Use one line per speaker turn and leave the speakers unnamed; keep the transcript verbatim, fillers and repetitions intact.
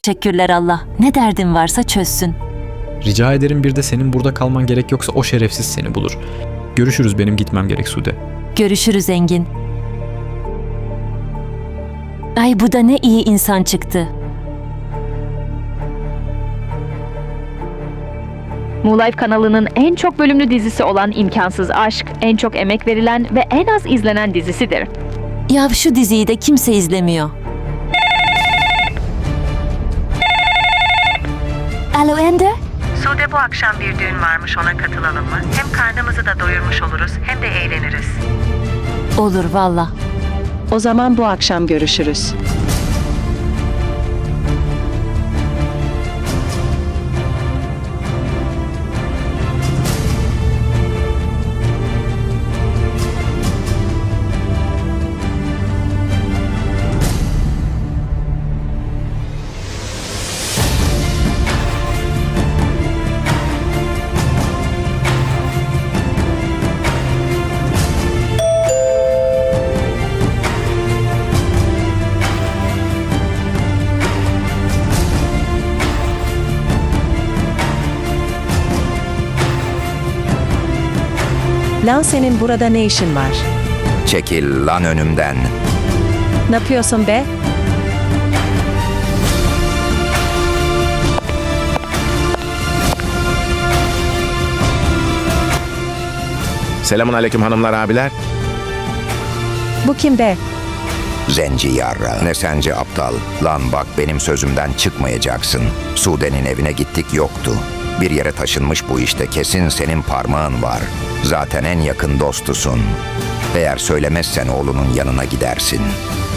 Teşekkürler Allah. Ne derdin varsa çözsün.
Rica ederim, bir de senin burada kalman gerek yoksa o şerefsiz seni bulur. Görüşürüz, benim gitmem gerek Sude.
Görüşürüz Engin. Ay bu da ne iyi insan çıktı.
Moonlife kanalının en çok bölümlü dizisi olan İmkansız Aşk, en çok emek verilen ve en az izlenen dizisidir.
Ya şu diziyi de kimse izlemiyor. Alo Ender?
Sude, bu akşam bir düğün varmış, ona katılalım mı? Hem karnımızı da doyurmuş oluruz hem de eğleniriz.
Olur valla.
O zaman bu akşam görüşürüz. Lan senin burada ne işin var?
Çekil lan önümden.
Ne yapıyorsun be?
Selamun aleyküm hanımlar, abiler.
Bu kim be?
Zenci yarra. Ne sence aptal? Lan bak, benim sözümden çıkmayacaksın. Sude'nin evine gittik, yoktu. Bir yere taşınmış bu işte, kesin senin parmağın var. Zaten en yakın dostusun. Eğer söylemezsen oğlunun yanına gidersin.